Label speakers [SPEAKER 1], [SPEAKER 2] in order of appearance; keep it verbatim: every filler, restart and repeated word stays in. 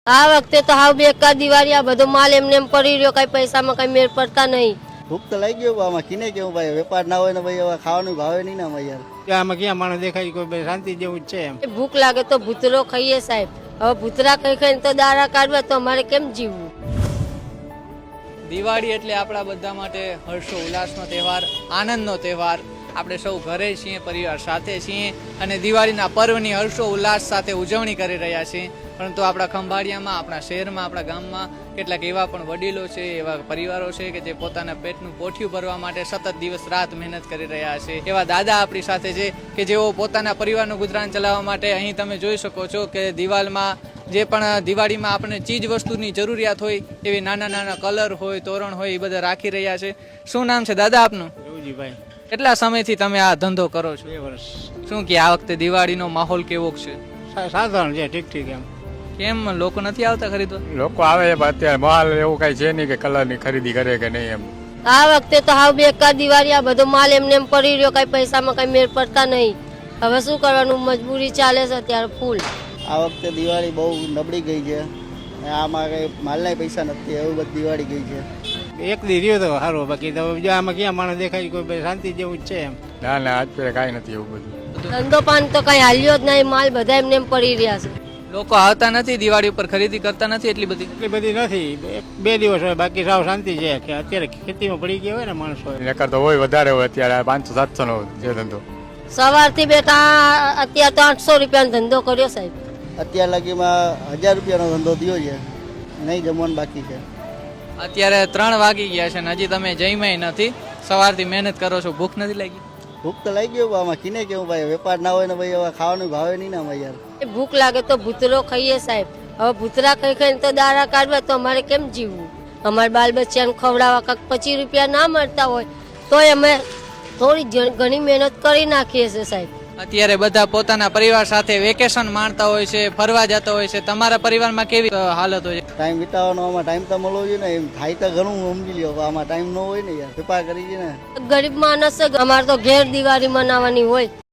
[SPEAKER 1] આ વખતે તો હાવ બેકાર દિવાળી, આ બધો માલ એમને એમ પડી રહ્યો, કઈ પૈસામાં કઈ મેળ પડતા નહીં.
[SPEAKER 2] ભૂખ તો લાગી ગયું આમાં, કિને કેવું ભાઈ, વેપાર ના હોય ને ભાઈ હવે ખાવાનું ભાવે નહીં ને આમાં યાર.
[SPEAKER 3] આમાં ક્યાં માણસ દેખાય કોઈ ભાઈ શાંતિ જેવું જ છે એમ.
[SPEAKER 1] ભૂખ લાગે તો ભૂતરો ખાઈએ સાહેબ. હવે ભૂતરા ખાઈ ખાઈને તો દારા કાઢવા, તો અમારે કેમ જીવવું?
[SPEAKER 4] દિવાળી એટલે આપણા બધા માટે હર્ષો ઉલ્લાસનો તહેવાર, આનંદનો તહેવાર. આપણે સૌ ઘરે છીએ, પરિવાર સાથે છીએ અને દિવાળીના પર્વની હર્ષો ઉલ્લાસ સાથે ઉજવણી કરી રહ્યા છીએ. પરંતુ આપણા ખંભાળિયામાં, આપણા શહેરમાં, આપણા ગામમાં કેટલાક એવા પણ વડીલો છે, એવા પરિવારો છે કે જે પોતાના પેટનું પોઠિયું ભરવા માટે સતત દિવસ રાત મહેનત કરી રહ્યા છે. એવા દાદા આપણી સાથે છે કે જેઓ પોતાના પરિવારનું ગુજરાન ચલાવવા માટે અહીં તમે જોઈ શકો છો કે દિવાલમાં જે પણ દિવાળીમાં આપણે ચીજ વસ્તુની જરૂરિયાત હોય એવી નાના નાના કલર હોય, તોરણ હોય, એ બધા રાખી રહ્યા છે. શું નામ છે દાદા આપનું?
[SPEAKER 3] રવજીભાઈ.
[SPEAKER 4] કેટલા સમયથી તમે આ ધંધો કરો છો?
[SPEAKER 3] બે વર્ષ.
[SPEAKER 4] શું કે આ વખતે દિવાળીનો માહોલ કેવો છે?
[SPEAKER 3] સા- સાધારણ છે, ઠીક ઠીક એમ.
[SPEAKER 4] કેમ લોકો નથી આવતા ખરીદવા?
[SPEAKER 5] લોકો આવે છે પણ અત્યારે માલ એવું કઈ છે નહીં કે કલર ની ખરીદી કરે કે નહીં એમ.
[SPEAKER 1] આ વખતે તો હાવ બેકાર દિવાળી, આ બધો માલ એમને એમ પડી રહ્યો, કઈ પૈસામાં કઈ મેળ પડતા નહીં. હવે શું કરવાનું, મજબૂરી ચાલે છે અત્યારે ફૂલ.
[SPEAKER 2] આ વખતે દિવાળી બહુ નબળી ગઈ છે, આમાં કઈ માલના પૈસા નથી, એવું બધી દિવાળી ગઈ છે.
[SPEAKER 3] એક દી રહ્યો તો સારું, બાકી તો બીજા આમાં ક્યાં માણસ દેખાય કોઈ ભાઈ શાંતિ જેવું જ છે એમ.
[SPEAKER 5] ના ના આજ પેલા કાંઈ નથી એવું બધું.
[SPEAKER 1] ધંધો પાન તો કઈ હાલ્યો જ નહીં, માલ બધા એમને એમ પડી રહ્યા છે.
[SPEAKER 4] લોકો આવતા નથી દિવાળી ઉપર, ખરીદી કરતા નથી એટલી બધી.
[SPEAKER 3] એટલી બધી નથી, એક બે દિવસ હોય, બાકી સાવ શાંતિ છે. કે અત્યારે ખેતીમાં પડી ગયા હોય ને માણસો.
[SPEAKER 5] નકર તો હોય વધારે હોય, અત્યારે પાંચસો સાતસો નો છે ધંધો.
[SPEAKER 1] સવારથી બેઠા અત્યારે તો આઠસો રૂપિયાનો ધંધો કર્યો સાહેબ.
[SPEAKER 2] અત્યાર લગીમાં હજાર રૂપિયાનો ધંધો થયો છે, નહીં જમવાનું બાકી છે.
[SPEAKER 4] અત્યારે ત્રણ વાગી ગયા છે ને હજી તમે જમ્યા નથી. સવારથી મહેનત કરો છો, ભૂખ નથી લાગી?
[SPEAKER 2] ભૂખ તો લાગી ગયું આમાં, કિને કેવું ભાઈ, વેપાર ના હોય ને ભાઈ હવે ખાવાનું ભાવે નહીં ને આમાં યાર.
[SPEAKER 1] ભૂખ લાગે તો ભૂતરો ખાઈએ સાહેબ. હવે ભૂતરા ખાઈ ખાઈને તો દારા કાઢવા, તો અમારે કેમ જીવવું? અમારા બાલ બચ્ચાને ખવડાવવા કાંક પચીસ રૂપિયા ના મળતા હોય તોય અમે થોડી જ- ઘણી મહેનત કરી નાખીએ છીએ સાહેબ.
[SPEAKER 4] અત્યારે બધા પોતાના પરિવાર સાથે વેકેશન માણતા હોય છે, ફરવા જતા હોય છે. તમારા પરિવારમાં કેવી અ, હાલત હોય છે?
[SPEAKER 2] ટાઈમ વિતાવવાનો આમાં ટાઈમ તો મળવો જોઈએ ને, એમ થાય તો ઘણું સમજી લ્યો, આમાં ટાઈમ ન હોય ને યાર, વેપાર કરી છે ને.
[SPEAKER 1] ગરીબ માણસ છે, અમારે તો ઘેર દિવાળી મનાવવાની હોય.